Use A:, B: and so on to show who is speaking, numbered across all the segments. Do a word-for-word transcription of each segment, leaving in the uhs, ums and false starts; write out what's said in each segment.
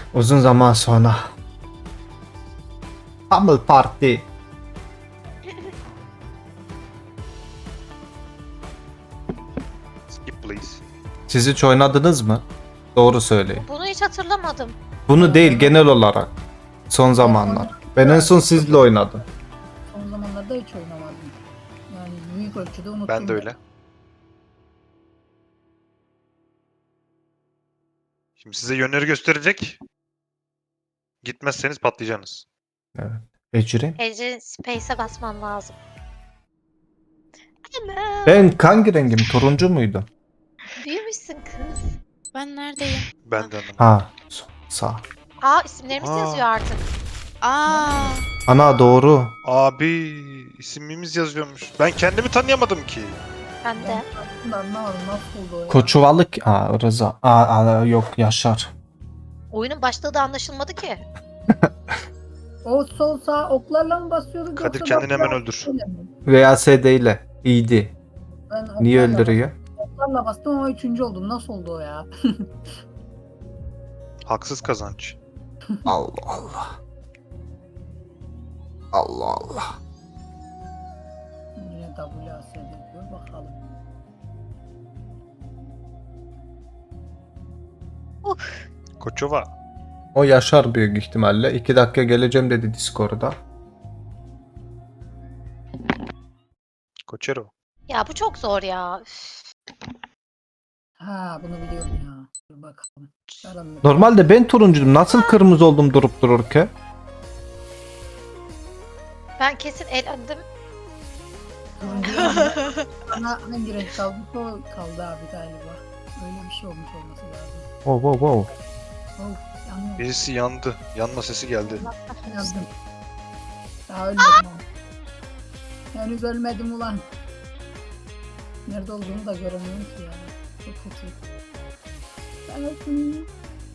A: Uzun zaman sonra. Humble Party.
B: Skip please.
A: Siz hiç oynadınız mı? Doğru söyleyin.
C: Bunu hiç hatırlamadım.
A: Bunu değil, genel olarak. Son zamanlar. Ben en son sizle oynadım.
D: Son zamanlarda hiç oynamadım. Yani büyük ölçüde unuttum.
B: Ben de öyle. Şimdi size yönleri gösterecek. Gitmezseniz patlayacaksınız.
A: Evet. Ecrin.
C: Ece Space'e basman lazım. Ana,
A: Ben hangi rengim? Turuncu muydum?
C: büyümüşsün kız.
E: Ben neredeyim?
B: Ben de anlamadım.
A: Ha, so- sağ.
C: Aa isimlerimiz
B: Aa.
C: yazıyor artık.
E: Aa,
A: Ana doğru.
B: Abi ismimiz yazıyormuş. Ben kendimi tanıyamadım ki.
C: Ben de.
D: Aslında anlamadım nasıl oldu o ya.
A: Koçuvalık. Aa, Rıza. Aa, aa, yok Yaşar.
C: Oyunun başlığı da anlaşılmadı ki.
D: O sol sağ oklarla mı basıyorduk
B: Kadir
D: yoksa
B: kendini hemen
D: bastılar-
B: öldür.
D: öyle mi?
A: Veya S D ile. İyiydi.
D: Ben
A: Niye
D: oklarla
A: öldürüyor?
D: bastım, Oklarla bastım ama üçüncü oldum. Nasıl oldu o ya?
B: Haksız kazanç.
A: Allah Allah. Allah Allah.
D: Yine W A S D diyor bakalım.
B: Koçova.
A: O Yaşar büyük ihtimalle. iki dakika geleceğim dedi Discord'da.
B: Koçero.
C: Ya bu çok zor ya. Üf.
D: Ha bunu biliyorum ya. Dur bakalım. Aranın-
A: Normalde ben turuncuydum. Nasıl kırmızı oldum durup dururken?
C: Ben kesin elendim.
D: Turuncu yanında bana hangi renk kaldı? O kaldı abi galiba. Öyle bir şey olmuş olması lazım.
A: Wow wow wow.
D: Of yanıyor.
B: Birisi yandı. Yanma sesi geldi.
D: Yandım. Daha ölmedim ama. Henüz ölmedim ulan. Nerede olduğunu da göremiyorum ki ya. Çok kötü. Ben öldüm.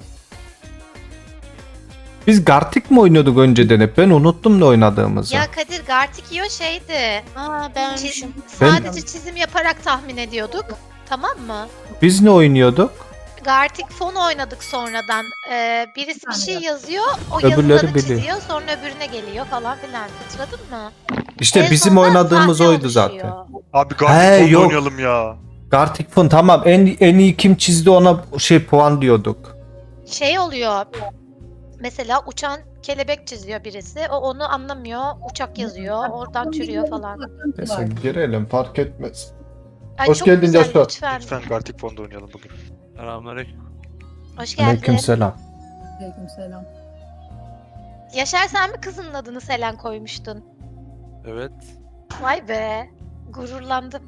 A: Biz Gartic mi oynuyorduk önceden hep? Ben unuttum ne oynadığımızı.
C: Ya Kadir Gartikio şeydi.
E: aa ben
C: Çiz-
E: ölmüşüm.
C: sadece çizim yaparak tahmin ediyorduk. Tamam mı?
A: Biz ne oynuyorduk?
C: Gartic fon oynadık sonradan. Ee, birisi bir şey
D: Yani.
C: yazıyor, o
A: Öbürleri
C: yazıları
A: biliyor.
C: çiziyor, sonra öbürüne geliyor falan filan. Hatırladın mı?
A: İşte
C: En
A: bizim
C: sonunda
A: oynadığımız
C: sahne
A: oydu
C: oluşuyor.
A: zaten.
B: Abi
A: He,
B: Gartic Fond
A: yok.
B: oynayalım ya.
A: Gartic Fun tamam. En, en iyi kim çizdi ona şey puan diyorduk.
C: Şey oluyor. Mesela uçan kelebek çiziyor birisi. O onu anlamıyor. Uçak yazıyor. Oradan çürüyor falan.
A: Neyse girelim fark etmez.
C: Ay,
A: Hoş
C: çok
A: geldin
C: güzel,
A: Joshua.
C: Lütfen.
B: Lütfen Gartic Fond oynayalım bugün.
F: Selamünaleyküm.
C: Hoş geldin.
A: Aleykümselam.
D: Aleykümselam.
C: Yaşar sen mi kızının adını Selen koymuştun?
F: Evet.
C: Vay be. Gururlandım.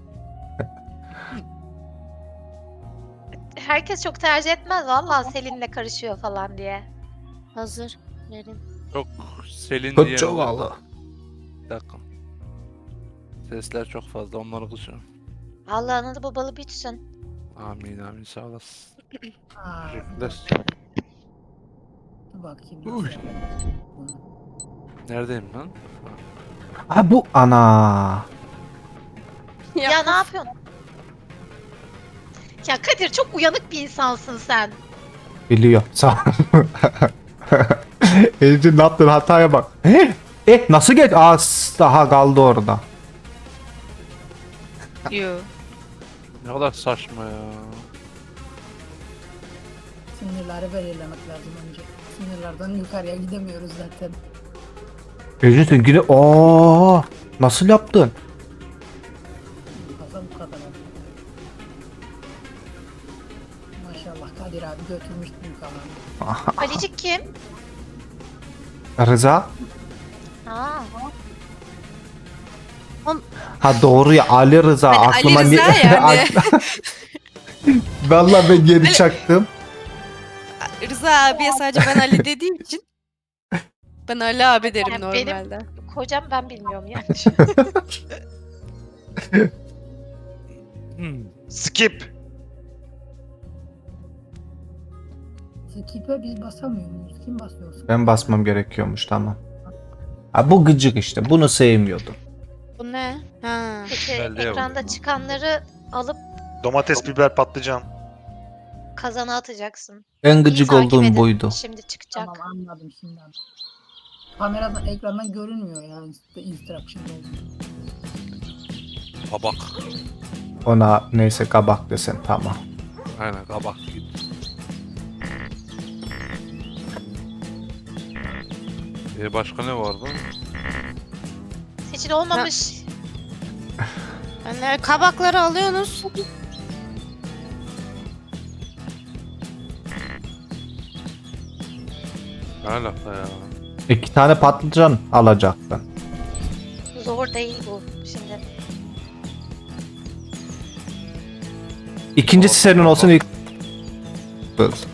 C: Herkes çok tercih etmez vallahi Selin'le karışıyor falan diye.
E: Hazır. Verin.
F: Çok Selin diye.
A: Koçovalı.
F: Bir dakika. Sesler çok fazla, onları kısıyorum.
C: Allah analı babalı büyütsün.
F: Amin amin, sağ olasın.
D: Aa,
F: Teşekkürler.
D: dur bakayım.
F: Uy.
D: nasıl yapalım.
F: Neredeyim lan?
A: Ha bu ana.
C: Ya, ne yapıyorsun? Ya Kadir çok uyanık bir insansın sen.
A: Biliyor. Sağ Ece ne yaptın hataya bak. He? Eh nasıl geç? Aa s- daha kaldı orada.
E: Yo.
F: Ne kadar saçma ya.
D: Sınırları belirlemek lazım önce. Sınırlardan yukarıya gidemiyoruz zaten.
A: Ece sen yine ooo nasıl yaptın?
D: Fazla bu kadar. Maşallah Kadir abi götürmüş büyük alanı.
C: Alicik kim?
A: Rıza?
C: Ha.
A: Ha doğru ya Ali Rıza
E: Hani
A: aklıma
E: Ali Rıza
A: ni-
E: yani.
A: Vallahi ben geri çaktım.
E: Rıza abiye sadece ben Ali dediğim için ben Ali abi derim
C: Yani benim-
E: normalde.
C: Kocam ben bilmiyorum yani.
F: Hmm.
B: Skip.
D: Skip'e biz basamıyor muyuz? Kim basıyor?
A: Ben basmam gerekiyormuş tamam. Ha bu gıcık işte bunu sevmiyordum.
E: Bu ne? Ha.
C: Peki
F: Belde
C: ekranda
F: yavrum.
C: çıkanları alıp
B: Domates, biber, patlıcan.
C: kazana atacaksın.
A: En
C: İyi
A: gıcık
C: takip
A: olduğum
C: edin.
A: buydu.
C: Şimdi çıkacak.
D: Tamam anladım şimdi anladım. Kameradan ekrandan görünmüyor ya inst- instruction oldu.
F: Kabak.
A: Ona neyse kabak desen tamam.
F: Aynen kabak gibi. Ee, başka ne vardı?
C: Seçil olmamış.
E: Yani kabakları alıyorsunuz.
F: Ne alaka ya?
A: İki tane patlıcan alacaktın.
C: Zor değil bu şimdi.
A: İkincisi senin olsun ilk. Kız.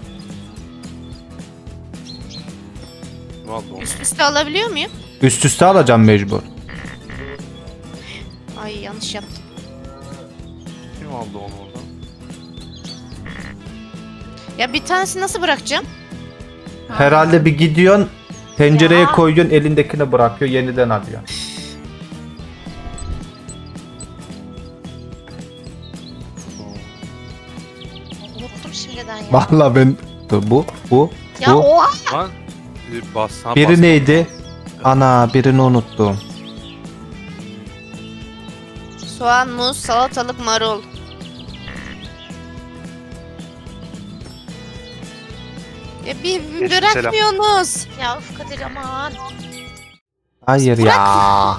F: Ne oldu oğlum?
E: Üst üste alabiliyor muyum?
A: Üst üste alacağım mecbur.
E: Ay yanlış yaptım.
F: Kim aldı onu oradan?
E: Ya bir tanesi nasıl bırakacağım?
A: Herhalde bir gidiyorsun, tencereye
C: Ya.
A: koyuyorsun, elindekini bırakıyor, yeniden alıyorsun.
C: Unuttum şimdiden ya.
A: Vallahi ben bu bu
C: Ya
A: bu.
C: oha!
F: Lan e, bas, ha,
A: Biri
F: bas-
A: neydi? Ana birini unuttum.
E: Soğan, muz, salatalık, marul. Ya bir, bir
B: Aleyküm
E: bırakmıyorsunuz.
C: Ya uf Kadir aman.
A: Hayır ya.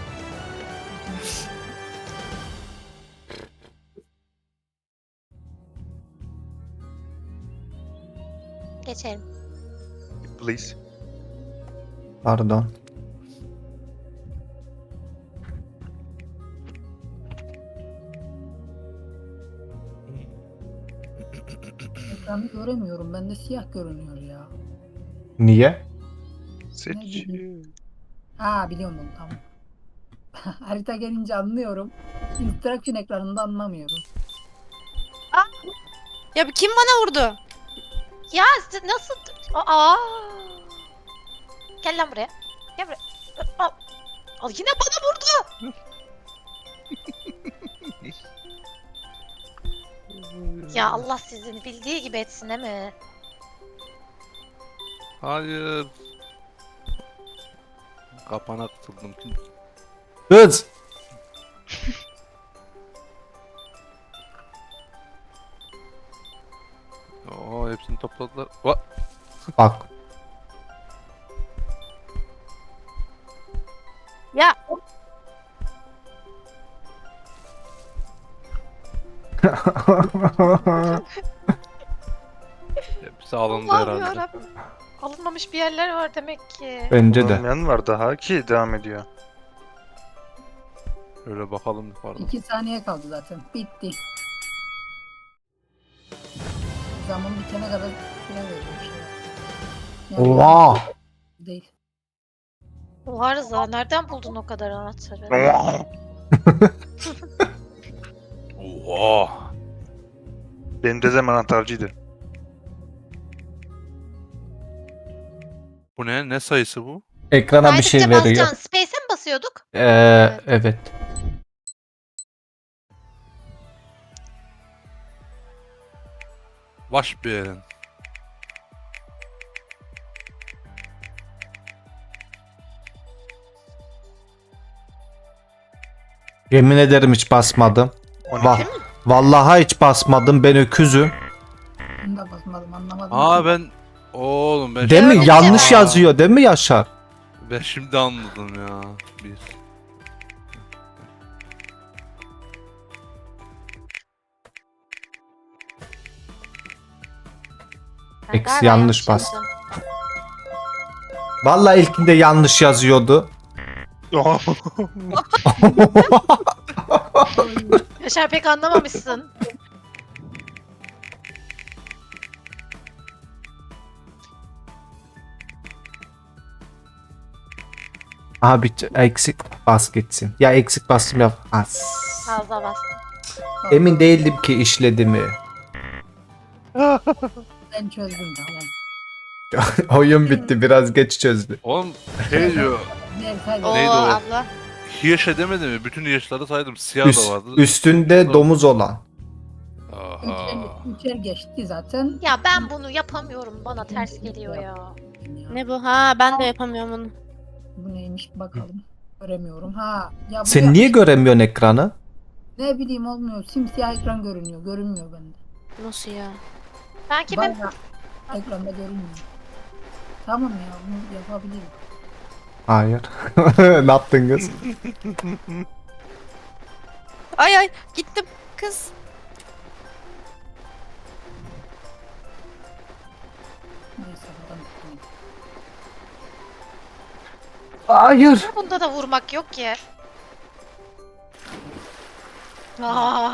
C: Geçelim.
B: Please.
A: Pardon.
D: Ekranı göremiyorum. Bende siyah görünüyor ya.
A: Niye?
B: Seç.
D: Ha biliyorum bunu tamam. Harita gelince anlıyorum. Instruction ekranında anlamıyorum.
E: Ya bir kim bana vurdu?
C: Ya siz nasıl... Aa! Gel lan buraya. Gel buraya. Al. Al yine bana vurdu. Ya Allah sizin bildiği gibi etsin değil mi?
F: Hayır. Kapana kıtıldım.
A: Kız.
F: Oo hepsini topladılar. Va
A: Bak.
E: Ya
F: hepsi alındı
C: Allah'ım
F: herhalde.
C: yarabbim. Alınmamış bir yerler var demek ki.
A: Bence de.
B: Olmayan var daha ki devam ediyor.
F: Öyle bakalım yukarıda.
D: İki saniye kaldı zaten. Bitti. Zaman bitene kadar süre veriyor. Yani
A: Oha.
D: Değil.
C: Oha Rıza nereden buldun o kadar anahtarı?
F: Oha.
B: Benim dedem anahtarcıydı.
F: Bu ne? Ne sayısı bu?
A: Ekrana bir şey
C: Kaydıkça
A: veriyor.
C: basacaksın. Space'e mi basıyorduk?
A: Ee, evet.
F: Baş bir yerin.
A: Yemin ederim hiç basmadım.
B: on iki.
A: Va Vallahi hiç basmadım. Ben öküzüm.
D: Bunu da basmadım anlamadım.
F: Aa ben oğlum ben
A: Değil mi?
F: şimdi-
A: Yanlış
F: Aa,
A: yazıyor. Değil mi Yaşar?
F: Ben şimdi anladım ya. Bir.
C: Ben
A: X
C: galiba
A: yanlış
C: yanlış
A: bas.
C: yazdım.
A: Vallahi ilkinde yanlış yazıyordu.
C: Yaşar pek anlamamışsın.
A: Abi eksik bas gitsin. Ya eksik bastım ya. As.
C: Fazla bastım.
A: Emin değildim ki işledi mi.
D: Ben çözdüm tamam.
A: Oyun bitti. Biraz geç çözdü.
F: Oğlum şey diyor.
D: Diğer kaydı.
E: Oo
F: Neydi o?
E: abla.
F: Hirş edemedi mi? Bütün hirşleri saydım. Siyah
A: Üst-
F: da vardı.
A: üstünde domuz olan.
F: Aha.
D: Üçer geçti zaten.
C: Ya ben bunu yapamıyorum. Bana ters geliyor ya.
D: Ya,
E: Ne bu? Ha ben de yapamıyorum onu.
D: Bu neymiş bakalım. Göremiyorum. Ha. Ya bu
A: Sen
D: ya-
A: niye göremiyorsun ekranı?
D: Ne bileyim olmuyor. Simsiyah ekran görünüyor. Görünmüyor bende.
E: Nasıl ya?
C: Ben kimim?
D: Bayağı ekranda görünmüyor. Tamam ya bunu yapabilirim.
A: Hayır. Ne yaptın kız?
E: Ay ay gittim kız.
D: Neyse buradan tutayım.
A: Hayır.
C: Bunda da vurmak yok ki. Aa,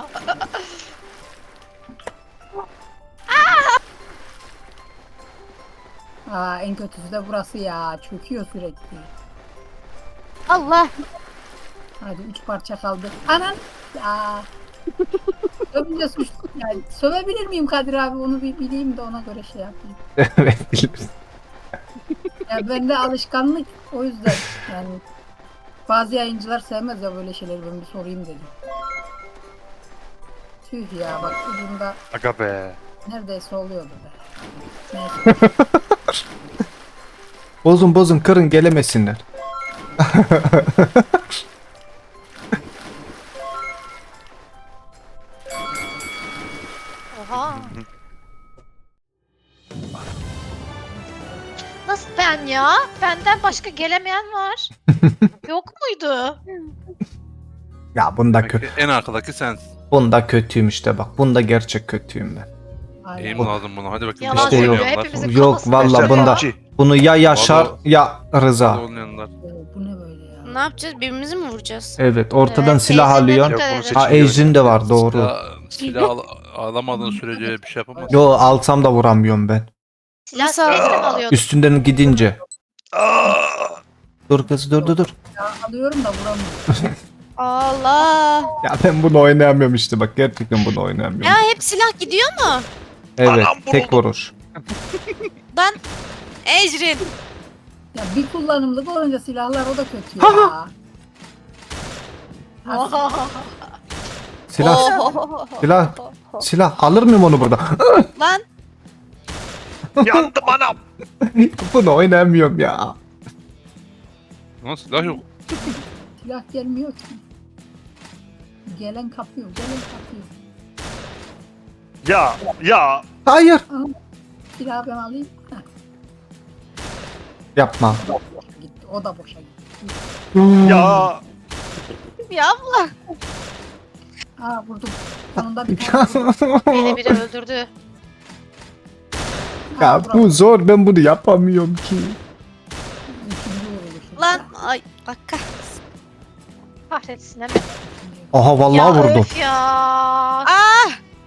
D: Aa en kötüsü de burası ya. Çöküyor sürekli.
E: Allah.
D: Hadi üç parça kaldı. Anan. Ya. Sövünce suç. Yani sövebilir miyim Kadir abi? Onu bir bileyim de ona göre şey yapayım.
A: Evet bilirsin.
D: Ya bende alışkanlık o yüzden yani bazı yayıncılar sevmez ya böyle şeyleri, ben bir sorayım dedim. Tüh ya bak ucunda
B: Aga be.
D: neredeyse oluyordu be. Neyse.
A: Bozun bozun kırın gelemesinler.
C: oha. Nasıl ben ya? Benden başka gelemeyen var. Yok muydu?
A: Ya bunda kötü.
F: En arkadaki sensin.
A: Bunda kötüyüm işte bak. Bunda gerçek kötüyüm ben.
D: Aynen.
F: Eğim lazım buna. Hadi bakayım.
C: Yalan
A: İşte yok.
C: söylüyor. Hepimizin
A: Yok,
C: kafasında
A: vallahi
C: yaşıyor
A: bunda-
C: ya.
B: G.
A: Bunu ya Yaşar
F: Vallahi-
A: ya Rıza.
F: Olmayanlar.
D: Oo, bu ne böyle ya?
E: Ne yapacağız? Birbirimizi mi vuracağız?
A: Evet ortadan
C: Evet,
A: silah
C: Ejder'e
A: alıyorsun.
C: dikkat
B: Yok, bunu
C: edin.
A: Ha
B: seçiliyor.
A: Ejrin de var doğru.
F: Silah, silah al, alamadığın sürece bir şey yapamazsın.
A: Yo alsam da vuramıyorum ben.
C: Silah
E: Nasıl?
C: space'le mi alıyordun?
A: Üstünden gidince.
B: Aa!
A: Dur kız dur dur dur.
D: Ya alıyorum da vuramıyorum.
E: Allah.
A: Ya ben bunu oynayamıyorum işte bak gerçekten bunu oynayamıyorum.
E: Ya hep silah gidiyor mu?
A: Evet
B: Anam
A: tek
B: vuruldu.
A: vuruş.
E: Lan. Ecrin.
D: Ya bir kullanımlık olunca silahlar o da kötü ya. Ha,
A: Silah
E: Oh.
A: silah silah alır mıyım onu burada?
E: Lan.
B: Yandım anam.
A: Bunu oynayamıyorum ya.
F: Ama silah yok.
D: silah gelmiyor ki. Gelen kapıyor, gelen kapıyor.
B: Ya ya.
A: Hayır.
D: Silahı ben alayım. Heh,
A: Yapma.
D: gitti. O da boşa gitti.
B: Ya.
E: Ya abla.
D: Aa vurdum. Sonunda bir tane.
C: Beni biri öldürdü.
D: Ha,
A: Ya
D: vuramadım.
A: bu zor ben bunu yapamıyorum ki.
D: İkinci vuruluşu.
E: Lan. Ay. Bak kahretsin.
C: Kahretsin hemen.
A: Aha vallahi
C: Ya
A: vurdum.
C: öf ya.
E: Ah.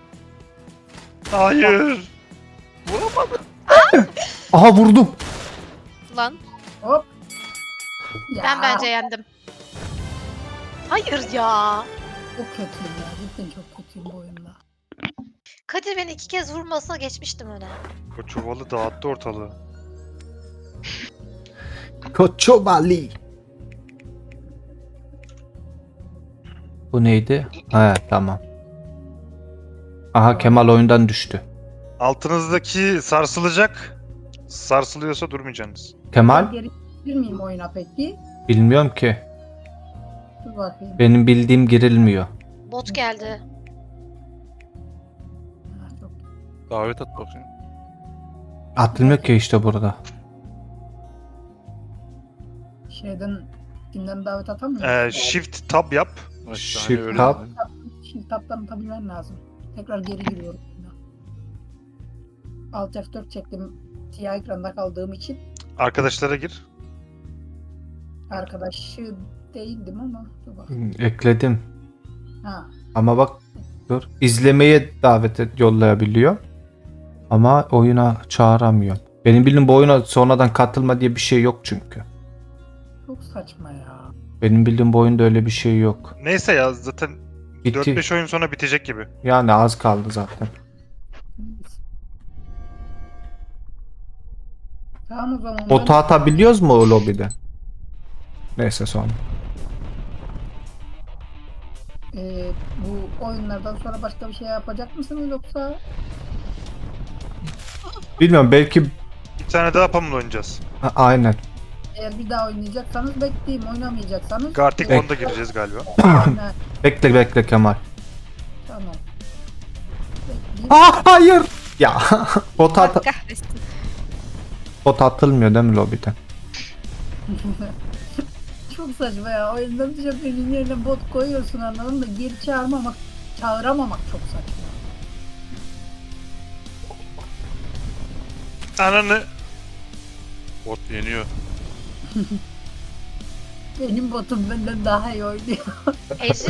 B: Hayır.
A: Aha vurdum.
E: Lan.
D: Hop. Ya,
C: Ben bence yendim. Hayır ya.
D: Çok kötüyüm ya. Cidden çok kötüyüm bu oyunda.
C: Kadir beni iki kez vurmasına geçmiştim öne.
B: O çuvalı dağıttı ortalığı.
A: Koçobali. Bu neydi? He tamam. Aha Kemal oyundan düştü.
B: Altınızdaki sarsılacak. Sarsılıyorsa durmayacaksınız.
A: Kemal?
D: Geri girebilir miyim oyuna peki?
A: Bilmiyorum ki.
D: Dur bakayım.
A: Benim bildiğim girilmiyor.
C: Bot geldi.
D: Ha, çok
F: Davet at bakayım.
A: Atılmıyor ki işte burada.
D: şeyden kimden davet atamıyorum.
B: Ee, shift tab yap.
F: İşte
A: Shift
F: hani öyle
A: tab.
F: dedi.
D: Şimdi taptan atabilmen lazım. Tekrar geri giriyorum. Alt F dört çektim. Siyah ekranda kaldığım için
B: Arkadaşlara gir.
D: arkadaşı değildim ama dur bakayım.
A: Ekledim.
D: Ha,
A: Ama bak dur. İzlemeye davet et, yollayabiliyor. Ama oyuna çağıramıyor. Benim bildiğim bu oyuna sonradan katılma diye bir şey yok çünkü.
D: çok saçma ya.
A: Benim bildiğim bu oyunda öyle bir şey yok.
B: Neyse ya zaten
A: Bitti.
B: dört beş oyun sonra bitecek gibi.
A: Yani az kaldı zaten.
D: Tamam o zaman.
A: Botu atabiliyoruz mu o lobide? Neyse sonra.
D: Ee, bu oyunlardan sonra başka bir şey yapacak mısınız yoksa?
A: Bilmiyorum belki
B: Bir tane daha Pamela oynayacağız.
A: A- aynen.
D: Eğer bir daha oynayacaksanız bekleyeyim. Oynamayacaksanız.
B: Gartic
A: Evet.
B: One'da gireceğiz galiba.
D: Aynen,
A: Bekle bekle Kemal.
D: tamam. Bekleyeyim.
A: Aa hayır. Ya bot, at
E: Allah kahretsin.
A: bot atılmıyor değil mi lobiden?
D: Çok saçma ya. Oyunda bir şoförün yerine bot koyuyorsun anladın da geri çağırmamak, çağıramamak çok saçma.
B: Ananı.
F: Bot yeniyor.
D: Benim botum benden daha iyi oynuyor.
C: Ejin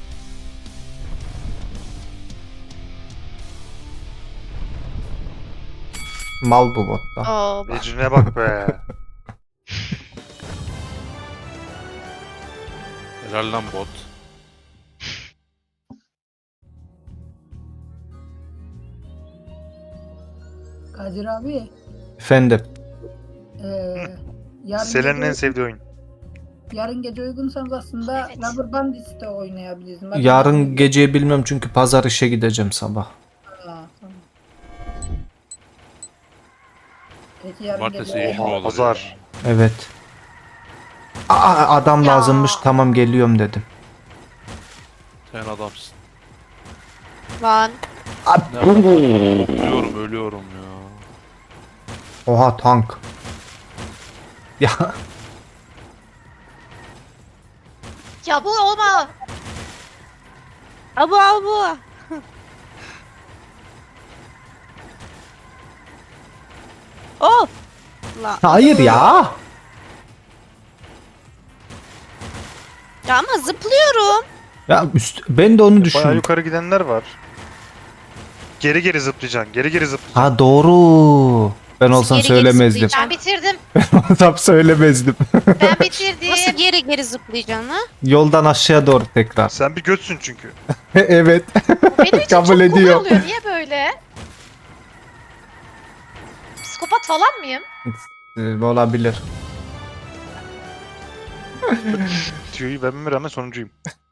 A: Mal bu botta.
E: Oo, bak.
B: Ecrin'e bak be.
F: Helal lan bot.
D: Kadir abi.
A: Efendim.
D: Eee yarın,
B: Selen'in en
D: gece,
B: sevdiği oyun.
D: yarın gece uygunsanız aslında
C: Evet.
D: Rubber Bandits de oynayabiliriz. Bak-
A: Yarın geceyi bilmiyorum çünkü pazar işe gideceğim sabah.
D: Aa, tamam. Peki yarın
F: Cumartesi
D: gece
F: iş mi olur?
B: Pazar.
A: Evet. Aa adam
C: Ya.
A: lazımmış tamam geliyorum dedim.
F: Sen adamsın.
E: Lan.
F: Ne Ölüyorum ölüyorum ya.
A: Oha tank. Ya
C: ya bu olma.
E: Abu abu. Oh. La.
A: hayır ya.
E: Ya ama zıplıyorum.
A: Ya üst, ben de onu
B: Bayağı
A: düşündüm.
B: yukarı gidenler var. Geri geri zıplayacaksın. Geri geri zıplayacaksın.
A: Ha doğru. Ben olsam
E: Geri geri
A: söylemezdim.
E: zıplayacağım.
C: Ben bitirdim.
A: Ben olsam söylemezdim.
C: Ben bitirdim.
E: Nasıl geri geri zıplayacaksın ha?
A: Yoldan aşağıya doğru tekrar.
B: Sen bir götsün çünkü.
A: Evet.
C: Benim için
A: Kabul
C: çok kolay
A: ediyor.
C: oluyor. Niye böyle? Psikopat falan mıyım?
A: Ee, olabilir.
B: Tüyoyu vermeme rağmen sonuncuyum.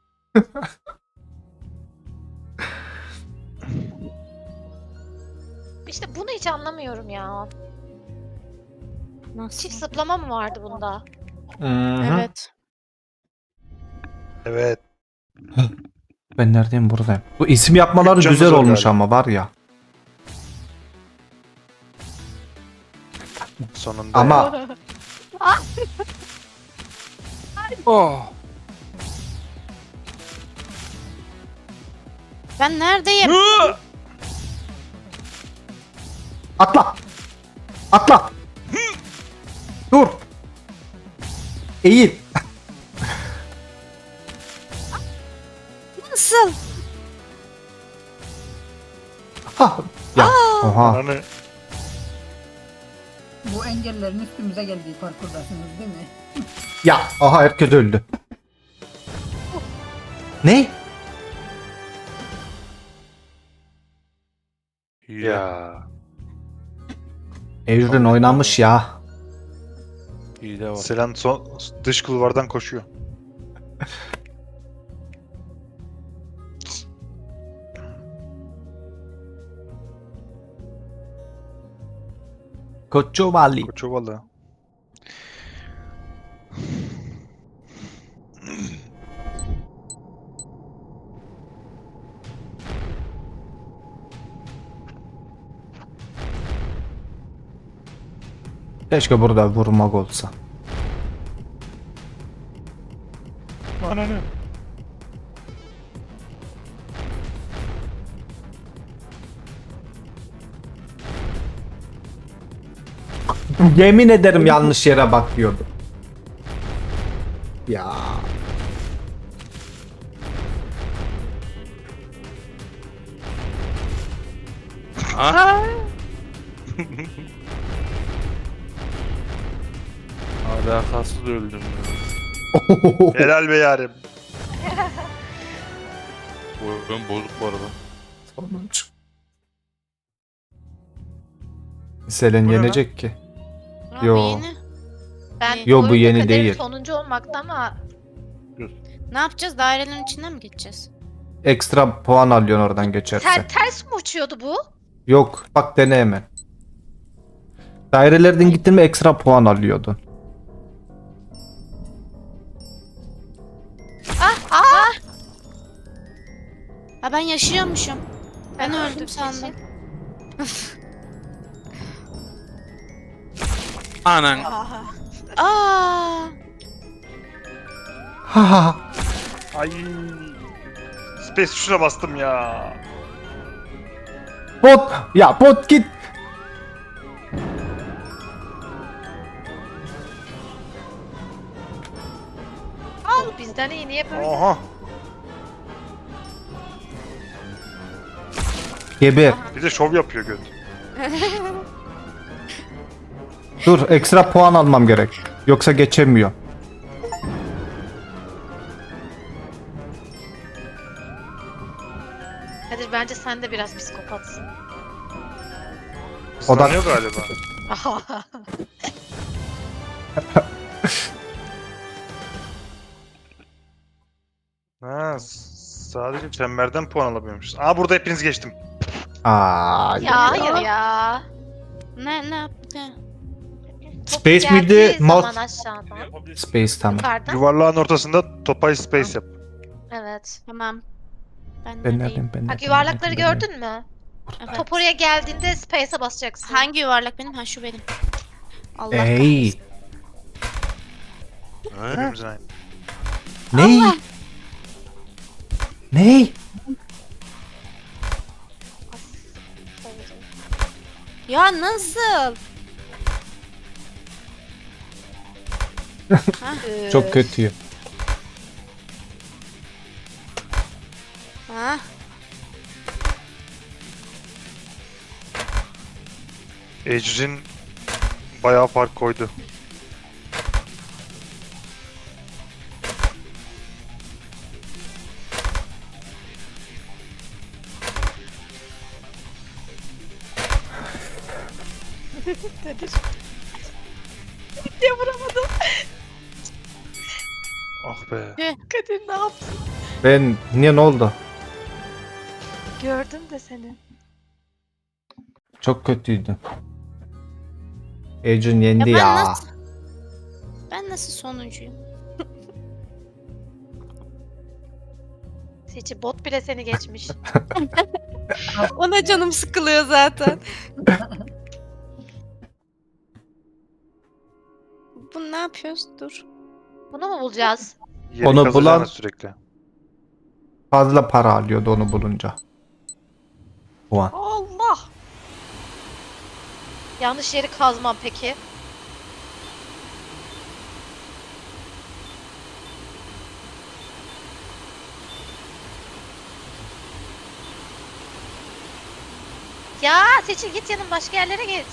C: İşte bunu hiç anlamıyorum ya.
E: Nasıl?
C: Çift zıplama mı vardı bunda?
A: Hı-hı.
E: Evet.
B: Evet.
A: Ben neredeyim buradayım. Bu isim yapmaları
B: Üç
A: güzel
B: canımız var
A: olmuş
B: galiba.
A: ama var ya.
B: Sonunda.
A: Ama
F: Oh.
E: Ben neredeyim?
B: Hı!
A: atla. Atla. Dur. Eğil.
E: Nasıl?
A: Ha. Ya. Oha.
B: Ananı.
D: bu engellerin üstümüze geldiği parkurdasınız değil mi?
A: Ya. Aha herkes öldü. Ne?
F: Hile.
B: Ya.
A: Evren oynamış ya.
F: Hile var.
B: Selen son dış kulvardan koşuyor.
A: Koçovali.
B: Koçovalı.
A: Keşke burada vurmak olsa.
B: Ananı.
A: Yemin ederim yanlış yere bakıyordum. Ya.
F: Ha? Alakasız öldüm ya.
B: Helal be yarim.
F: Bu oyun bozuk bu arada.
A: Sonuç. Selen
B: Bu ne
A: yenecek ki.
E: Abi
A: Yo.
E: yeni.
C: Ben
A: Yo, bu
C: oyunda
A: yeni
C: kaderim
A: değil.
C: sonuncu olmakta ama
E: Ne yapacağız? Dairelerin içinden mi geçeceğiz?
A: ekstra puan alıyorsun oradan geçersen.
C: Ter, ters mi uçuyordu bu?
A: Yok bak dene hemen. Dairelerden gittin mi ekstra puan alıyordun.
C: Ah ah.
E: Ha ben yaşıyormuşum. Ben öldüm
C: öldüm
E: sandım.
C: Seçil.
F: Anan.
C: Aha.
E: Aa!
A: Ha ha.
B: Ay. Space tuşuna bastım ya.
A: Bot ya bot git.
C: Al bizden iyi niye böyle?
B: Oha.
A: Geber.
B: Bir de şov yapıyor göt.
A: Dur ekstra puan almam gerek. Yoksa geçemiyor.
C: Kadir bence sen de biraz psikopatsın.
A: O da-
B: Islanıyor galiba. Ha, s- sadece çemberden puan alabiliyormuşuz. Aa burada hepiniz geçtim.
A: Aa,
C: Ya hayır ya.
E: Ne ne yaptı?
C: Top
A: Space
C: geldiği
A: miydi,
C: zaman
A: mouse?
C: aşağıdan.
A: Space tamam.
C: Yukarıdan.
B: Yuvarlağın ortasında topay space yap.
C: Evet.
E: Tamam. Ben,
A: Ben
E: neredeyim?
A: neredeyim ben
C: Bak
A: neredeyim,
C: yuvarlakları
A: ben neredeyim?
C: gördün mü?
E: Evet.
C: Top oraya geldiğinde space'e basacaksın.
E: Hangi yuvarlak benim? Ha şu benim. Allah
A: Ey.
B: Hepimizin aynı.
A: Ney? Ney?
E: Ya nasıl?
C: Ee,
A: Çok kötü.
E: Ha?
B: Ecrin bayağı fark koydu.
C: Diye vuramadım.
B: Ah be.
C: Kadir ne yaptın?
A: Ben niye ne oldu?
C: Gördüm de seni.
A: Çok kötüydü. Ejun yendi
E: Ya ben
A: ya.
E: nasıl- Ben nasıl sonuncuyum?
C: Seçi bot bile seni geçmiş.
E: Ona canım sıkılıyor zaten. Bu ne yapıyoruz? Dur.
C: Bunu mu bulacağız?
B: Yeri
A: Onu
B: kazacağına
A: bulan-
B: sürekli.
A: Fazla para alıyordu onu bulunca. Puan.
C: Allah! Yanlış yeri kazmam peki. Ya Seçil git yanım başka yerlere git.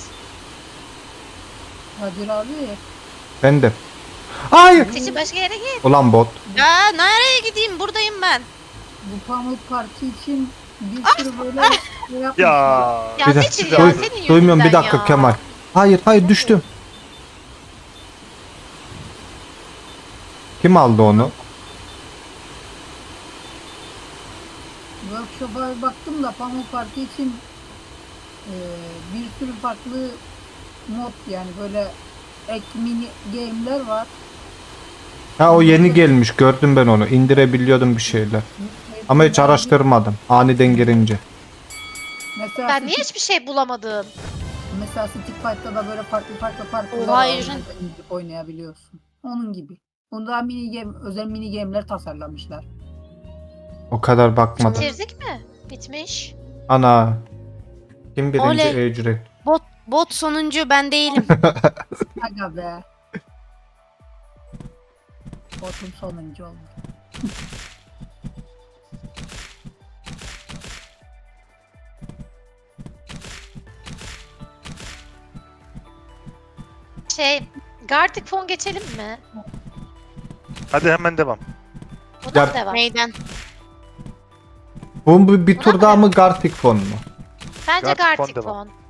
D: Kadir abi
A: Ben de. Hayır.
C: Seçil başka yere git.
A: Ulan bot.
E: Ya nereye gideyim? Buradayım ben.
D: bu Pamuk Parti için bir sürü böyle şey yapmışlar.
B: Ya.
C: Ya
A: Bir de-
C: Seçil ya
A: Duy-
C: senin yüzünden
A: Duymuyorum bir dakika
C: ya.
A: Kemal. Hayır hayır düştüm. Kim aldı onu?
D: Workshop'a bir baktım da Pamuk Parti için e, bir sürü farklı mod yani böyle ek mini game'ler var.
A: Ha o yeni gelmiş gördüm ben onu. İndirebiliyordum bir şeyler. Ama hiç araştırmadım. Aniden girince.
D: Mesela
C: Ben
D: Stick-
C: niye hiçbir şey bulamadım?
D: Mesela Stick Fight'ta da böyle farklı farklı farklı
E: Oha,
D: var.
E: Ejin.
D: Onları indirip oynayabiliyorsun. Onun gibi. Bunda mini game, özel mini game'ler tasarlamışlar.
A: O kadar bakmadım.
C: Bitirdik mi? Bitmiş.
A: Ana. Kim birinci
E: Oley.
A: ücret?
E: Bot bot sonuncu ben değilim.
D: Aga be. Botum sonuncu oldu.
C: Şey, Gartic Phone geçelim mi?
B: Hadi hemen devam.
C: Buna
A: Ya-
C: mı devam?
E: Neyden?
A: Bu bir, bir
C: Buna
A: tur
C: mı
A: daha
C: devam?
A: mı Gartic Phone mu?
C: Bence
B: Gartic Phone
C: Gartic
B: devam.
C: Phone.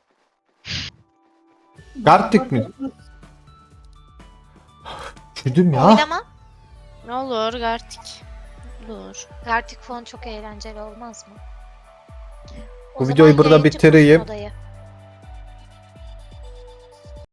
A: Gartic mi? Üşüdüm ya.
C: Oylama.
E: Ne olur Gartik. olur.
C: Gartic Phone çok eğlenceli olmaz mı? O
A: Bu
C: zaman
A: videoyu burada
C: yayıncı kursun
A: bitireyim.
C: odayı.